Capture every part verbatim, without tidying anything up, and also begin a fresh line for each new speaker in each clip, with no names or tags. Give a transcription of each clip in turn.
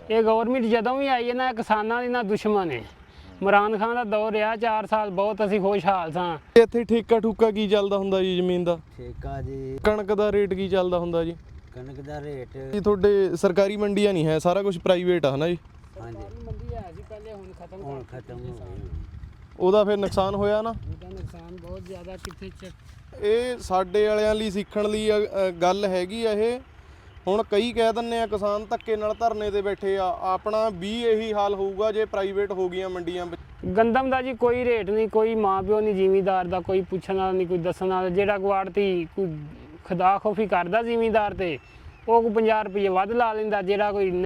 ਇਹ ਗਵਰਨਮੈਂਟ ਜਦੋਂ ਵੀ ਆਈ ਹੈ ਨਾ ਕਿਸਾਨਾਂ ਦੀ ਨਾ ਦੁਸ਼ਮਣ ਹੈ। ਇਮਰਾਨ ਖਾਨ ਦਾ ਦੌਰ ਰਿਹਾ ਚਾਰ ਸਾਲ, ਬਹੁਤ ਅਸੀਂ ਖੁਸ਼ਹਾਲ ਸਾਂ।
ਇੱਥੇ ਠੇਕਾ ਠੂਕਾ ਕੀ ਚੱਲਦਾ ਹੁੰਦਾ ਜੀ ਜ਼ਮੀਨ ਦਾ?
ਠੇਕਾ ਜੀ
ਕਣਕ ਦਾ ਰੇਟ ਕੀ ਚੱਲਦਾ ਹੁੰਦਾ ਜੀ?
ਕਣਕ ਦਾ ਰੇਟ
ਜੀ ਤੁਹਾਡੇ ਸਰਕਾਰੀ ਮੰਡੀਆਂ ਨਹੀਂ ਹੈ, ਸਾਰਾ ਕੁਝ ਪ੍ਰਾਈਵੇਟ ਆ ਹਨਾ ਜੀ?
ਹਾਂਜੀ
ਮੰਡੀ ਹੈ ਸੀ ਪਹਿਲੇ, ਹੁਣ ਖਤਮ
ਹੁਣ ਖਤਮ ਹੋ ਗਈ।
ਉਹਦਾ ਫਿਰ ਨੁਕਸਾਨ ਹੋਇਆ ਨਾ?
ਉਹਦਾ ਨੁਕਸਾਨ ਬਹੁਤ ਜ਼ਿਆਦਾ। ਕਿੱਥੇ ਚੱਕ
ਇਹ ਸਾਡੇ ਵਾਲਿਆਂ ਲਈ ਸਿੱਖਣ ਲਈ ਅ, ਅ, ਗੱਲ ਹੈਗੀ ਆ ਇਹ। ਹੁਣ ਕਈ ਕਹਿ ਦਿੰਦੇ ਆ ਕਿਸਾਨ ਧੱਕੇ ਨਾਲ ਧਰਨੇ ਤੇ ਬੈਠੇ ਆ, ਆਪਣਾ ਵੀ ਇਹੀ ਹਾਲ ਹੋਊਗਾ ਜੇ ਪ੍ਰਾਈਵੇਟ ਹੋ ਗਈਆਂ ਮੰਡੀਆਂ।
ਗੰਦਮ ਦਾ ਜੀ ਕੋਈ ਰੇਟ ਨਹੀਂ, ਕੋਈ ਮਾਂ ਪਿਓ ਨਹੀਂ ਜ਼ਿਮੀਂਦਾਰ ਦਾ, ਕੋਈ ਪੁੱਛਣ ਵਾਲਾ ਨਹੀਂ, ਕੋਈ ਦੱਸਣ ਵਾਲਾ। ਜਿਹੜਾ ਗੁਆੜਤੀ ਕੋਈ ਖੁਦਾ ਖੋਫੀ ਕਰਦਾ ਜ਼ਿਮੀਂਦਾਰ ਤੇ ਉਹ ਕੋਈ ਪੰਜਾਹ ਰੁਪਏ ਵੱਧ ਲਾ ਲੈਂਦਾ। ਜਿਹੜਾ ਕੋਈ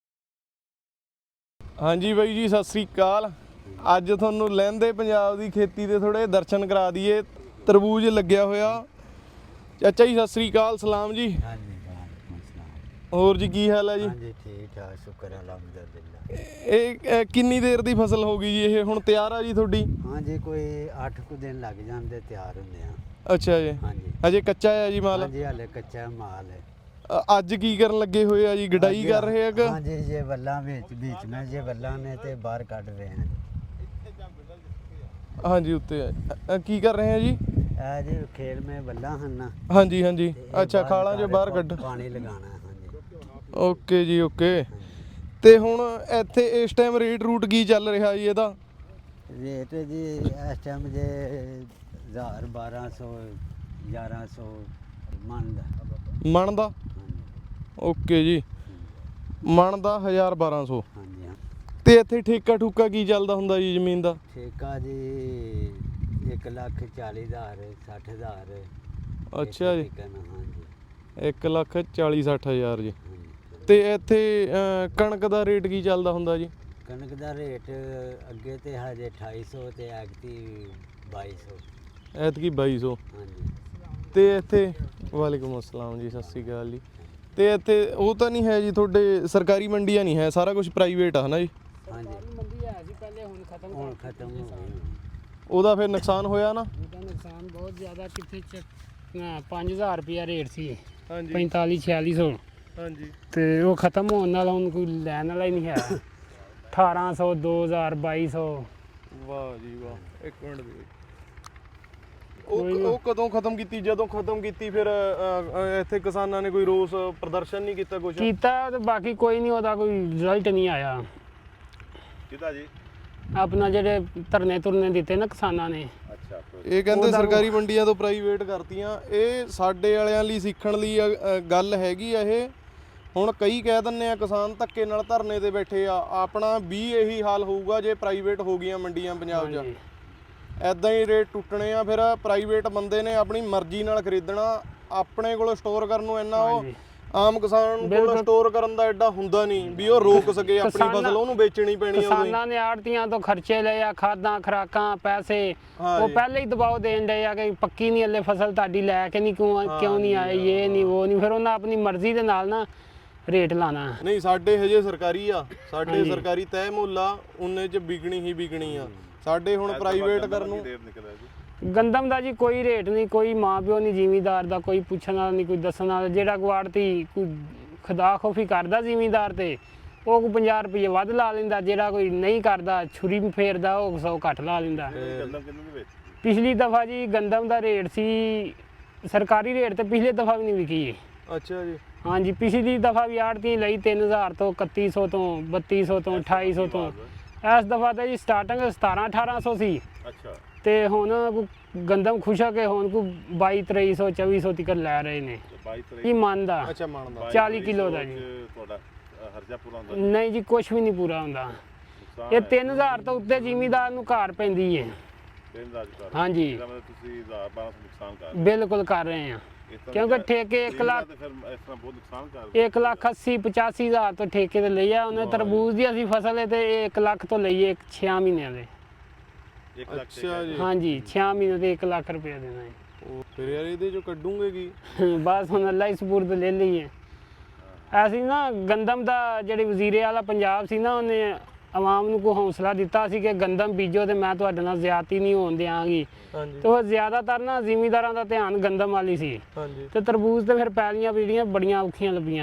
ਹਾਂਜੀ ਬਾਈ ਜੀ, ਸਤਿ ਸ੍ਰੀ ਅਕਾਲ। ਅੱਜ ਤੁਹਾਨੂੰ ਲਹਿੰਦੇ ਪੰਜਾਬ ਦੀ ਖੇਤੀ ਦੇ ਥੋੜੇ ਦਰਸ਼ਨ ਕਰਾ ਦਈਏ। ਤਰਬੂਜ ਲੱਗਿਆ ਹੋਇਆ। ਚਾਚਾ ਜੀ ਸਤਿ ਸ੍ਰੀ ਅਕਾਲ, ਸਲਾਮ ਜੀ।
ਹਾਂਜੀ
ਹੋਰ ਜੀ ਕੀ ਹਾਲ ਹੈ ਜੀ?
ਹਾਂਜੀ ਠੀਕ ਠਾਕ, ਸ਼ੁਕਰ ਅਲਹਮਦੁਲਿਲਾ।
ਇਹ ਅ, ਕਿੰਨੀ ਦੇਰ ਦੀ ਫਸਲ ਹੋ ਗਈ ਜੀ? ਇਹ ਹੁਣ ਤਿਆਰ ਆ ਜੀ ਤੁਹਾਡੀ?
ਹਾਂਜੀ ਕੋਈ ਅੱਠ ਕੁ ਦਿਨ ਲੱਗ ਜਾਂਦੇ ਤਿਆਰ ਹੁੰਦੇ ਆ।
ਅੱਛਾ ਜੀ,
ਹਾਂਜੀ
ਅਜੇ ਕੱਚਾ ਹੈ ਜੀ ਮਾਲ?
ਹਾਂਜੀ ਹਾਲੇ ਕੱਚਾ ਮਾਲ ਹੈ।
ਅ, ਅੱਜ ਕੀ ਕਰਨ ਲੱਗੇ ਹੋਏ ਆ ਜੀ? ਗਡਾਈ ਕਰ ਰਹੇ ਆ ਕਿ?
ਹਾਂਜੀ ਜੇ ਵੱਲਾਂ ਵਿੱਚ ਵਿੱਚ ਮੈਂ ਜੇ ਵੱਲਾਂ ਨੇ ਤੇ ਬਾਹਰ ਕੱਢ ਰਹੇ ਹਾਂ।
ਹਾਂਜੀ ਉੱਤੇ ਆ। ਅ, ਕੀ ਕਰ ਰਹੇ ਆ ਜੀ?
ਇਹ ਜੀ ਖੇਲ ਮੇ ਵੱਲਾਂ ਹਨ ਨਾ।
ਹਾਂਜੀ ਹਾਂਜੀ,
ਤੇ ਇਹ
ਅੱਛਾ
ਬਾਹਰ
ਖਾਲਾਂ ਚੋਂ ਬਾਹਰ ਕੱਢ।
ਪਾਣੀ ਲਗਾਉਣਾ ਹੈ। ਹਾਂਜੀ
ਓਕੇ ਜੀ ਓਕੇ। ਤੇ ਹੁਣ ਇੱਥੇ ਇਸ ਟਾਈਮ ਰੇਟ ਰੂਟ ਕੀ ਚੱਲ ਰਿਹਾ ਜੀ ਇਹਦਾ?
ਰੇਟ ਜੀ ਇਸ ਟਾਈਮ ਜੇ ਹਜ਼ਾਰ ਬਾਰਾਂ ਸੌ ਗਿਆਰਾਂ ਸੌ ਮਣ ਦਾ।
ਮਣ ਦਾ? ਓਕੇ ਜੀ, ਮਣ ਦਾ ਹਜ਼ਾਰ ਬਾਰਾਂ ਸੌ।
ਹਾਂਜੀ ਹਾਂ।
ਤੇ ਇੱਥੇ ਠੇਕਾ ਠੂਕਾ ਕੀ ਚੱਲਦਾ ਹੁੰਦਾ ਜੀ ਜ਼ਮੀਨ ਦਾ?
ਠੇਕਾ ਜੀ ਇੱਕ ਲੱਖ ਚਾਲੀ ਹਜ਼ਾਰ ਸੱਠ ਹਜ਼ਾਰ।
ਅੱਛਾ ਜੀ,
ਹਾਂਜੀ
ਇੱਕ ਲੱਖ ਚਾਲੀ ਸੱਠ ਹਜ਼ਾਰ ਜੀ।
ਹਾਂਜੀ।
ਤੇ ਇੱਥੇ ਅ, ਕਣਕ ਦਾ ਰੇਟ ਕੀ ਚੱਲਦਾ ਹੁੰਦਾ ਜੀ?
ਕਣਕ ਦਾ ਰੇਟ ਅੱਗੇ ਤੇ ਹਜੇ ਅਠਾਈ ਸੌ ਤੇ ਐਗਤੀ ਬਾਈ ਸੌ।
ਐਤਕੀ ਬਾਈ ਸੌ।
ਹਾਂਜੀ
ਤੇ ਇੱਥੇ ਵਾਲੇਕੁਮ ਅਸਲਾਮ ਜੀ, ਸਤਿ ਸ਼੍ਰੀ ਅਕਾਲ ਜੀ। ਤੇ ਇੱਥੇ ਉਹ ਤਾਂ ਨਹੀਂ ਹੈ ਜੀ ਤੁਹਾਡੇ ਸਰਕਾਰੀ ਮੰਡੀਆਂ ਨਹੀਂ ਹੈ, ਸਾਰਾ ਕੁਝ ਪ੍ਰਾਈਵੇਟ ਆ ਹਨਾ ਜੀ?
ਹਾਂਜੀ
ਮੰਡੀ ਹੈ ਸੀ ਪਹਿਲੇ, ਹੁਣ ਖਤਮ
ਹੁਣ ਖਤਮ ਹੋ ਗਈ।
ਉਹਦਾ ਫਿਰ ਨੁਕਸਾਨ ਹੋਇਆ ਨਾ?
ਉਹਦਾ ਨੁਕਸਾਨ ਬਹੁਤ ਜ਼ਿਆਦਾ। ਕਿੱਥੇ ਚੱਕ ਪੰਜ ਹਜ਼ਾਰ ਰੁਪਇਆ ਰੇਟ ਸੀ,
ਹਾਂਜੀ
ਪੈਂਤਾਲੀ ਛਿਆਲੀ ਸੌ।
ਹਾਂਜੀ।
ਤੇ ਉਹ ਖਤਮ ਹੋਣ ਨਾਲ ਹੁਣ ਕੋਈ ਲੈਣ ਵਾਲਾ ਹੀ ਨਹੀਂ ਹੈ। ਅਠਾਰਾਂ ਸੌ, ਦੋ ਹਜ਼ਾਰ, ਬਾਈ ਸੌ।
ਵਾਹ ਜੀ ਵਾਹ। ਇੱਕ ਮਿੰਟ ਦੇ। ਉਹ ਉਹ ਕਦੋਂ ਖਤਮ ਕੀਤੀ? ਜਦੋਂ ਖਤਮ ਕੀਤੀ ਫਿਰ ਅ, ਅ, ਇੱਥੇ ਕਿਸਾਨਾਂ ਨੇ ਕੋਈ ਰੋਸ ਪ੍ਰਦਰਸ਼ਨ ਨਹੀਂ ਕੀਤਾ ਕੁਝ?
ਕੀਤਾ ਤੇ ਬਾਕੀ ਕੋਈ ਨਹੀਂ, ਉਹਦਾ ਕੋਈ ਰਿਜ਼ਲਟ ਨਹੀਂ ਆਇਆ।
ਕਿਹਦਾ ਜੀ?
ਆਪਣਾ ਜਿਹੜੇ ਧਰਨੇ ਧੁਰਨੇ ਦਿੱਤੇ ਨਾ ਕਿਸਾਨਾਂ ਨੇ।
ਅੱਛਾ। ਇਹ ਕਹਿੰਦੇ ਸਰਕਾਰੀ ਮੰਡੀਆਂ ਤੋਂ ਪ੍ਰਾਈਵੇਟ ਕਰਤੀਆਂ। ਇਹ ਸਾਡੇ ਵਾਲਿਆਂ ਲਈ ਸਿੱਖਣ ਲਈ ਅ, ਅ, ਗੱਲ ਹੈਗੀ ਆ ਇਹ। ਹੁਣ ਕਈ ਕਹਿ ਦਿੰਦੇ ਆ ਕਿਸਾਨ ਧੱਕੇ ਨਾਲ ਧਰਨੇ ਤੇ ਬੈਠੇ ਆ, ਆਪਣਾ ਵੀ ਇਹੀ ਹਾਲ ਹੋਊਗਾ ਜੇ ਪ੍ਰਾਈਵੇਟ ਹੋ ਗਈਆਂ ਮੰਡੀਆਂ ਪੰਜਾਬ 'ਚ।
ਹਾਂਜੀ।
ਐਦਾਂ ਹੀ ਰੇਟ ਟੁੱਟਣੇ ਆ। ਫਿਰ ਪ੍ਰਾਈਵੇਟ ਬੰਦੇ ਨੇ ਆਪਣੀ ਮਰਜ਼ੀ ਨਾਲ ਖਰੀਦਣਾ, ਆਪਣੇ ਕੋਲ ਸਟੋਰ ਕਰਨ ਨੂੰ ਇੰਨਾ ਉਹ ਆਮ ਕਿਸਾਨ ਕੋਲ ਸਟੋਰ ਕਰਨ ਦਾ ਐਡਾ ਹੁੰਦਾ ਨਹੀਂ ਵੀ ਉਹ ਰੋਕ ਸਕੇ ਆਪਣੀ ਫਸਲ, ਉਹਨੂੰ ਵੇਚਣੀ ਪੈਣੀ ਆ।
ਕਿਸਾਨਾਂ ਨੇ ਆੜਤੀਆਂ ਤੋਂ ਖਰਚੇ ਲਏ ਆ, ਖਾਦਾਂ ਖੁਰਾਕਾਂ ਪੈਸੇ, ਉਹ ਪਹਿਲੇ ਹੀ ਦਬਾਅ ਦੇਣ ਡਏ ਆ ਕਿ ਪੱਕੀ ਨਹੀਂ ਹਲੇ ਫਸਲ ਤੁਹਾਡੀ, ਲੈ ਕੇ ਨਹੀਂ ਕਿਉਂ ਕਿਉਂ ਨਹੀਂ ਆਏ, ਇਹ ਨਹੀਂ ਉਹ ਨਹੀਂ। ਫਿਰ ਉਹਨਾਂ ਆਪਣੀ ਮਰਜ਼ੀ ਦੇ ਨਾਲ ਨਾ ਰੇਟ ਲਾਣਾ।
ਨਹੀਂ ਸਾਡੇ ਹਜੇ ਸਰਕਾਰੀ ਆ, ਸਾਡੇ ਸਰਕਾਰੀ ਤੈਅ ਮੁੱਲ ਆ, ਉਹਨੇ 'ਚ ਵਿਕਣੀ ਹੀ ਵਿਕਣੀ ਆ। ਸਾਡੇ ਹੁਣ ਪ੍ਰਾਈਵੇਟ ਕਰਨ ਨੂੰ
ਗੰਦਮ ਦਾ ਜੀ ਕੋਈ ਰੇਟ ਨਹੀਂ, ਕੋਈ ਮਾਂ ਪਿਓ ਨਹੀਂ ਜ਼ਿਮੀਂਦਾਰ ਦਾ, ਕੋਈ ਪੁੱਛਣ ਵਾਲਾ ਨਹੀਂ, ਕੋਈ ਦੱਸਣ ਵਾਲਾ। ਜਿਹੜਾ ਗੁਆੜਤੀ ਕੋਈ ਖੁਦਾ ਖੋਫੀ ਕਰਦਾ ਜ਼ਿਮੀਂਦਾਰ ਤੇ ਉਹ ਕੋਈ ਪੰਜਾਹ ਰੁਪਏ ਵੱਧ ਲਾ ਲੈਂਦਾ। ਜਿਹੜਾ ਕੋਈ ਨਹੀਂ ਕਰਦਾ, ਛੁਰੀ ਫੇਰਦਾ, ਉਹ ਸੌ ਘੱਟ ਲਾ ਲੈਂਦਾ। ਪਿਛਲੀ ਦਫਾ ਜੀ ਗੰਦਮ ਦਾ ਰੇਟ ਸੀ ਸਰਕਾਰੀ ਰੇਟ ਤੇ ਪਿਛਲੇ ਦਫਾ ਵੀ ਨਹੀਂ ਵਿਕੀ।
ਅੱਛਾ ਜੀ।
ਹਾਂਜੀ, ਪਿਛਲੀ ਦਫਾ ਵੀ ਆੜਤੀ ਲਈ ਤਿੰਨ ਹਜ਼ਾਰ ਤੋਂ, ਇਕੱਤੀ ਸੌ ਤੋਂ, ਬੱਤੀ ਸੌ ਤੋਂ, ਅਠਾਈ ਸੌ ਤੋਂ। ਇਸ ਦਫਾ ਤਾਂ ਜੀ ਸਟਾਰਟਿੰਗ ਸਤਾਰਾਂ ਅਠਾਰਾਂ ਸੌ ਸੀ।
ਅੱਛਾ।
ਤੇ ਹੁਣ ਗੰਦਮ ਖੁਸ਼ਾ ਕੇ ਹੁਣ ਕੋਈ ਬਾਈ ਤੇਈ ਸੌ ਚੌਵੀ ਸੌ ਤੱਕ ਲੈ ਰਹੇ ਨੇ ਜੀ ਮਨ ਦਾ।
ਅੱਛਾ, ਮਨ ਦਾ
ਚਾਲੀ ਕਿਲੋ ਦਾ ਜੀ।
ਤੁਹਾਡਾ ਖਰਚਾ ਪੂਰਾ ਹੁੰਦਾ?
ਨਹੀਂ ਜੀ, ਕੁਝ ਵੀ ਨਹੀਂ ਪੂਰਾ ਹੁੰਦਾ। ਇਹ ਤਿੰਨ ਹਜ਼ਾਰ ਤੋਂ ਉੱਤੇ ਜ਼ਿਮੀਂਦਾਰ ਨੂੰ ਘਾਟ ਪੈਂਦੀ ਹੈ। ਹਾਂਜੀ, ਬਿਲਕੁਲ ਕਰ ਰਹੇ ਆ। ਕਿਉਂਕਿ ਠੇਕੇ ਇੱਕ ਲੱਖ ਇੱਕ ਲੱਖ ਅੱਸੀ ਪਚਾਸੀ ਹਜ਼ਾਰ ਤੋਂ ਠੇਕੇ ਤੇ ਲਈ ਆ ਉਹਨੇ। ਤਰਬੂਜ ਦੀ ਅਸੀਂ ਫਸਲ ਹੈ ਤੇ ਇੱਕ ਲੱਖ ਤੋਂ ਲਈਏ ਛੇ ਮਹੀਨਿਆਂ ਦੇ।
ਅੱਛਾ ਜੀ।
ਹਾਂਜੀ, ਛੇ ਮਹੀਨੇ ਤੇ ਇੱਕ ਲੱਖ ਰੁਪਏ ਦੇਣਾ ਹੈ।
ਉਹ ਫਿਰ ਯਾਰ ਇਹਦੇ ਚੋਂ ਕੱਢੂਗੇ ਕੀ?
ਬਸ ਹੁਣ ਅੱਲਾ ਹੀ ਸਪੁਰਦ ਲੈ ਲਈਏ। ਅਸੀਂ ਨਾ ਗੰਦਮ ਦਾ ਜਿਹੜੇ ਵਜ਼ੀਰੇ ਵਾਲਾ ਪੰਜਾਬ ਸੀ ਨਾ, ਉਹਨੇ ਆਵਾਮ ਨੂੰ ਕੋਈ ਹੌਸਲਾ ਦਿੱਤਾ ਸੀ ਕਿ ਗੰਦਮ ਬੀਜੋ ਤੇ ਮੈਂ ਤੁਹਾਡੇ ਨਾਲ ਜ਼ਿਆਦਤੀ ਨਹੀਂ ਹੋਣ ਦਿਆਂਗੀ। ਤੇ ਉਹ ਜ਼ਿਆਦਾਤਰ ਨਾ ਜ਼ਿਮੀਂਦਾਰਾਂ ਦਾ ਧਿਆਨ ਗੰਦਮ ਵਾਲੀ ਸੀ। ਤੇ ਤਰਬੂਜ ਤੇ ਫਿਰ ਪੈਲੀਆਂ ਜਿਹੜੀਆਂ ਬੜੀਆਂ ਔਖੀਆਂ ਲੱਭੀਆਂ ਹਨ।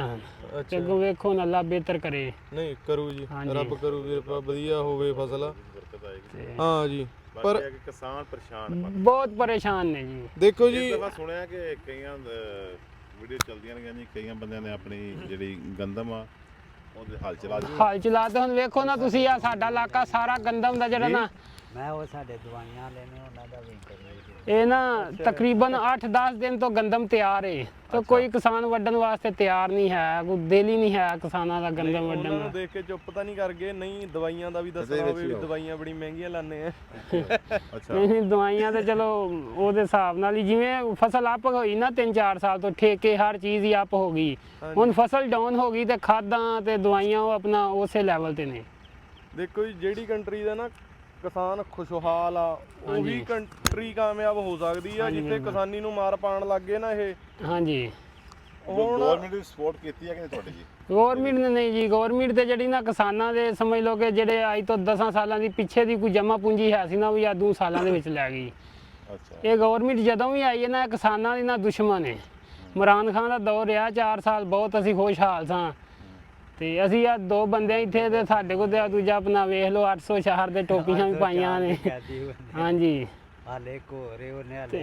ਤੇ
ਅੱਛਾ
ਅੱਗੋਂ ਵੇਖੋ ਨਾ ਅੱਲਾ ਬਿਹਤਰ ਕਰੇ।
ਨਹੀਂ ਕਰੂ ਜੀ,
ਹਾਂਜੀ।
ਰੱਬ ਕਰੂ ਵੀਰ ਪਾ ਵਧੀਆ ਹੋਵੇ ਫਸਲ।
ਤੇ
ਹਾਂ ਜੀ ਪਰ
ਪਰ ਕਿਸਾਨ ਪਰੇਸ਼ਾਨ ਪਰ
ਬਹੁਤ ਪਰੇਸ਼ਾਨ ਨੇ ਜੀ।
ਦੇਖੋ
ਇਸ
ਜੀ
ਦਫਾ ਸੁਣਿਆ ਕਿ ਕਈਆਂ ਵੀਡੀਓ ਚੱਲਦੀਆਂ ਨੇ ਜੀ, ਕਈਆਂ ਬੰਦਿਆਂ ਨੇ ਆਪਣੀ ਜਿਹੜੀ ਗੰਦਮ ਆ ਉਹਦੇ ਹਲ ਚਲਾ ਦਿੱਤੀ।
ਹਾਲ ਚਲਾ ਤੇ ਹੁਣ ਵੇਖੋ ਨਾ ਤੁਸੀਂ, ਆ ਸਾਡਾ ਇਲਾਕਾ ਸਾਰਾ ਗੰਦਮ ਦਾ ਜਿਹੜਾ ਨਾ,
ਮੈਂ ਉਹ ਸਾਡੇ ਦਵਾਈਆਂ ਲੈਣੇ ਉਹਨਾਂ ਦਾ ਵੀ ਕਰੀ
ਇਹ ਨਾ ਤਕਰੀਬਨ ਅੱਠ ਦਸ ਦਿਨ ਤੋਂ ਗੰਦਮ ਤਿਆਰ ਏ ਤੇ ਕੋਈ ਕਿਸਾਨ ਵੱਢਣ ਵਾਸਤੇ ਤਿਆਰ ਨਹੀਂ ਹੈ, ਕੋਈ ਦਿਲ ਹੀ ਨਹੀਂ ਹੈ ਕਿਸਾਨਾਂ ਦਾ ਗੰਦਮ ਵੱਢਣ
ਉਹਨਾਂ ਨੂੰ
ਦਾ।
ਦੇਖ ਕੇ ਚੁੱਪ ਤਾਂ ਨਹੀਂ ਕਰ ਗਏ? ਨਹੀਂ ਦਵਾਈਆਂ ਦਾ ਵੀ ਦੱਸਣਾ ਹੋਵੇ ਵੀ ਦਵਾਈਆਂ ਬੜੀ ਮਹਿੰਗੀਆਂ ਲਾਣੇ ਆ।
ਅੱਛਾ
ਨਹੀਂ ਨਹੀਂ, ਦਵਾਈਆਂ ਤੇ ਚਲੋ ਉਹਦੇ ਹਿਸਾਬ ਨਾਲ ਹੀ, ਜਿਵੇਂ ਫਸਲ ਅਪ ਹੋਈ ਨਾ ਤਿੰਨ ਚਾਰ ਸਾਲ ਤੋਂ, ਠੇਕੇ ਹਰ ਚੀਜ਼ ਹੀ ਅਪ ਹੋ ਗਈ। ਹੁਣ ਫਸਲ ਡਾਊਨ ਹੋ ਗਈ ਤੇ ਖਾਦਾਂ ਤੇ ਦਵਾਈਆਂ ਉਹ ਆਪਣਾ ਉਸੇ ਲੈਵਲ ਤੇ ਨੇ।
ਦੇਖੋ ਜੀ ਜਿਹੜੀ ਕੰਟਰੀ ਦਾ ਨਾ ਕਿਸਾਨ ਖੁਸ਼ਹਾਲ ਆ ਉਹੀ ਕੰਟਰੀ ਕਾਮਯਾਬ ਹੋ ਸਕਦੀ ਆ। ਜਿੱਥੇ ਕਿਸਾਨੀ ਨੂੰ ਮਾਰ ਪਾਣ ਲੱਗ ਗਏ ਨਾ ਇਹ।
ਹਾਂਜੀ
ਹੁਣ
ਗਵਰਨਮੈਂਟ ਦੀ ਸਪੋਰਟ ਕੀਤੀ ਹੈ ਕਿ ਨਹੀਂ ਤੁਹਾਡੀ ਜੀ?
ਗੌਰਮਿੰਟ ਨੇ ਨਹੀਂ ਜੀ, ਗੌਰਮਿੰਟ ਤੇ ਜਿਹੜੀ ਨਾ ਕਿਸਾਨਾਂ ਦੇ ਸਮਝ ਲਓ ਕਿ ਜਿਹੜੇ ਅੱਜ ਤੋਂ ਦਸਾਂ ਸਾਲਾਂ ਦੀ ਪਿੱਛੇ ਦੀ ਕੋਈ ਜਮ੍ਹਾਂ ਪੂੰਜੀ ਹੈ ਸੀ ਨਾ, ਉਹ ਵੀ ਆ ਦੋ ਸਾਲਾਂ ਦੇ ਵਿੱਚ ਲੈ ਗਈ।
ਅੱਛਾ
ਇਹ ਗੌਰਮਿੰਟ ਜਦੋਂ ਵੀ ਆਈ ਹੈ ਨਾ, ਇਹ ਕਿਸਾਨਾਂ ਦੀ ਨਾ ਦੁਸ਼ਮਣ ਹੈ। ਇਮਰਾਨ ਖਾਨ ਦਾ ਦੌਰ ਰਿਹਾ ਚਾਰ ਸਾਲ, ਬਹੁਤ ਅਸੀਂ ਖੁਸ਼ਹਾਲ ਸਾਂ ਤੇ ਅਸੀਂ ਆ ਦੋ ਬੰਦੇ ਇੱਥੇ ਤੇ ਸਾਡੇ ਕੋਲ ਤੇ ਦੂਜਾ ਆਪਣਾ ਵੇਖ ਲਓ ਅੱਠ ਸੌ ਸ਼ਹਿਰ ਦੇ ਟੋਪੀਆਂ ਵੀ ਪਾਈਆਂ ਨੇ। ਹਾਂਜੀ
ਹਾਲੇ ਕੋਰੇ ਉਹਨੇ ਹਾਲੇ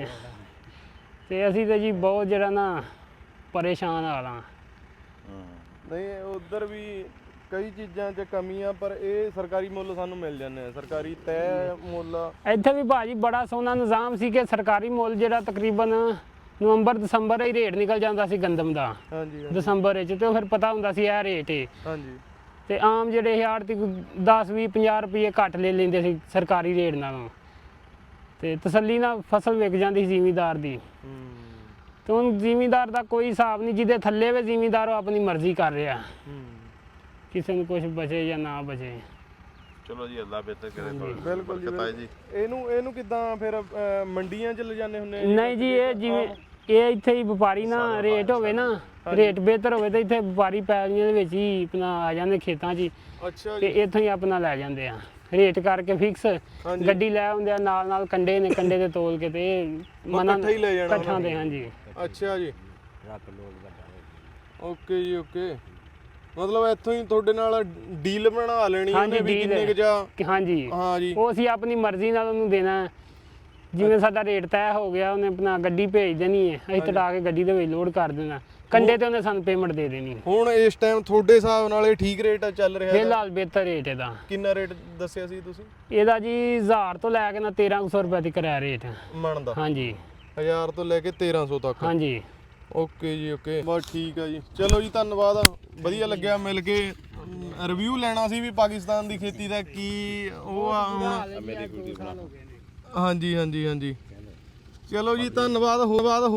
ਤੇ ਅਸੀਂ ਤੇ ਜੀ ਬਹੁਤ ਜਿਹੜਾ ਨਾ ਪਰੇਸ਼ਾਨ ਹਾਲਾਂ।
ਨਹੀਂ ਉਧਰ ਵੀ ਕਈ ਚੀਜ਼ਾਂ 'ਚ ਕਮੀਆਂ, ਪਰ ਇਹ ਸਰਕਾਰੀ ਮੁੱਲ ਸਾਨੂੰ ਮਿਲ ਜਾਂਦੇ ਆ, ਸਰਕਾਰੀ ਤੈਅ ਮੁੱਲ।
ਇੱਥੇ ਵੀ ਭਾਜੀ ਬੜਾ ਸੋਹਣਾ ਨਿਜ਼ਾਮ ਸੀ ਕਿ ਸਰਕਾਰੀ ਮੁੱਲ ਜਿਹੜਾ ਤਕਰੀਬਨ ਨਵੰਬਰ ਦਸੰਬਰ ਹੀ ਰੇਟ ਨਿਕਲ ਜਾਂਦਾ ਸੀ ਗੰਦਮ ਦਾ,
ਹਾਂਜੀ
ਦਸੰਬਰ ਵਿੱਚ, ਤੇ ਉਹ ਫਿਰ ਪਤਾ ਹੁੰਦਾ ਸੀ ਇਹ ਰੇਟ ਹੈ।
ਹਾਂਜੀ
ਤੇ ਆਮ ਜਿਹੜੇ ਆੜ੍ਹਤੀ ਦਸ ਵੀਹ ਪੰਜਾਹ ਰੁਪਏ ਘੱਟ ਲੈ ਲੈਂਦੇ ਸੀ ਸਰਕਾਰੀ ਰੇਟ ਨਾਲੋਂ, ਤੇ ਤਸੱਲੀ ਨਾਲ ਫਸਲ ਵਿਕ ਜਾਂਦੀ ਸੀ ਜ਼ਿਮੀਂਦਾਰ ਦੀ।
ਹੂੰ
ਤੇ ਹੁਣ ਜ਼ਿਮੀਂਦਾਰ ਦਾ ਕੋਈ ਹਿਸਾਬ ਨਹੀਂ, ਜਿਹਦੇ ਥੱਲੇ ਵੇ ਜ਼ਿਮੀਂਦਾਰ ਉਹ ਆਪਣੀ ਮਰਜ਼ੀ ਕਰ ਰਿਹਾ,
ਹੂੰ
ਕਿਸੇ ਨੂੰ ਕੁਝ ਬਚੇ ਜਾਂ ਨਾ ਬਚੇ।
ਚਲੋ ਜੀ ਅੱਲਾ ਬਿਹਤਰ ਕਰੇ।
ਬਿਲਕੁਲ ਜੀ,
ਬਰਕਤ ਆਏ ਜੀ।
ਇਹਨੂੰ ਇਹਨੂੰ ਕਿੱਦਾਂ ਫਿਰ ਅਹ, ਮੰਡੀਆਂ 'ਚ ਲਿਜਾਣੇ ਹੁੰਦੇ ਆ ਜੀ?
ਨਹੀਂ ਜੀ, ਇਹ ਜਿਵੇਂ ਇਹ ਇੱਥੇ ਹੀ ਵਪਾਰੀ ਨਾ ਰੇਟ ਹੋਵੇ ਨਾ, ਰੇਟ ਬਿਹਤਰ ਹੋਵੇ ਤੇ ਇੱਥੇ ਵਪਾਰੀ ਪੈਲੀਆਂ ਦੇ ਵਿੱਚ ਹੀ ਆਪਣਾ ਆ ਜਾਂਦੇ ਖੇਤਾਂ 'ਚ ਹੀ,
ਅੱਛਾ
ਤੇ
ਜੀ
ਇੱਥੋਂ ਹੀ ਆਪਣਾ ਲੈ ਜਾਂਦੇ ਆ ਰੇਟ ਕਰਕੇ ਫਿਕਸ।
ਹਾਂਜੀ।
ਗੱਡੀ ਲੈ ਆਉਂਦੇ ਆ, ਨਾਲ ਨਾਲ ਕੰਡੇ ਨੇ, ਕੰਡੇ ਤੇ ਤੋਲ ਕੇ ਤੇ ਮਨਾਂ
ਇਕੱਠਾ ਹੀ ਲੈ ਜਾਣਾ
ਇਕੱਠਾਂ ਦੇ। ਹਾਂਜੀ
ਅੱਛਾ ਜੀ
ਰੱਖ ਲੋਕ ਵੱਡਾ
ਓਕੇ ਜੀ ਓਕੇ, ਮਤਲਬ ਇੱਥੋਂ ਹੀ ਤੁਹਾਡੇ ਨਾਲ ਡੀਲ ਬਣਾ ਲੈਣੀ ਉਹਨੇ ਵੀ
deal
ਕਿੰਨੇ ਕੁ ਜਾ।
ਕਿ ਹਾਂਜੀ,
ਹਾਂ ਜੀ
ਉਹ ਅਸੀਂ ਆਪਣੀ ਮਰਜ਼ੀ ਨਾਲ ਉਹਨੂੰ ਦੇਣਾ ਹੈ। ਜਿਵੇਂ ਸਾਡਾ ਰੇਟ ਤੈਅ ਹੋ ਗਿਆ, ਉਹਨੇ ਆਪਣਾ ਗੱਡੀ ਭੇਜ ਦੇਣੀ ਹੈ, ਅਸੀਂ ਤੜਾ ਕੇ ਗੱਡੀ ਦੇ ਵਿੱਚ ਲੋਡ ਕਰ ਦੇਣਾ, ਕੰਡੇ ਤੇ ਉਹਨੇ ਸਾਨੂੰ ਪੇਮੈਂਟ ਦੇ ਦੇਣੀ।
ਹੁਣ ਇਸ ਟਾਈਮ ਤੁਹਾਡੇ ਹਿਸਾਬ ਨਾਲ ਇਹ ਠੀਕ ਰੇਟ ਚੱਲ ਰਿਹਾ?
ਫਿਲਹਾਲ ਬਿਹਤਰ ਰੇਟ ਇਹਦਾ।
ਕਿੰਨਾ ਰੇਟ ਦੱਸਿਆ ਸੀ ਤੁਸੀਂ?
ਇਹਦਾ ਜੀ ਹਜ਼ਾਰ ਤੋਂ ਲੈ ਕੇ ਨਾ ਤੇਰਾਂ ਸੌ ਰੁਪਏ ਤੱਕ ਹੈ ਰੇਟ।
ਮਣ ਦਾ
ਹਾਂਜੀ
ਹਜ਼ਾਰ ਤੋਂ ਲੈ ਕੇ ਤੇਰਾਂ ਸੌ ਤੱਕ?
ਹਾਂਜੀ
ਓਕੇ ਜੀ ਓਕੇ, ਬਸ ਠੀਕ ਆ ਜੀ। ਚਲੋ ਜੀ ਧੰਨਵਾਦ, ਵਧੀਆ ਲੱਗਿਆ ਮਿਲ ਕੇ। ਰਿਵਿਊ ਲੈਣਾ ਸੀ ਵੀ ਪਾਕਿਸਤਾਨ ਦੀ ਖੇਤੀ ਦਾ ਕੀ ਉਹ ਆ ਹੁਣ। ਹਾਂਜੀ ਹਾਂਜੀ ਹਾਂਜੀ ਚਲੋ ਜੀ ਧੰਨਵਾਦ। ਹੋ ਬਾਅਦ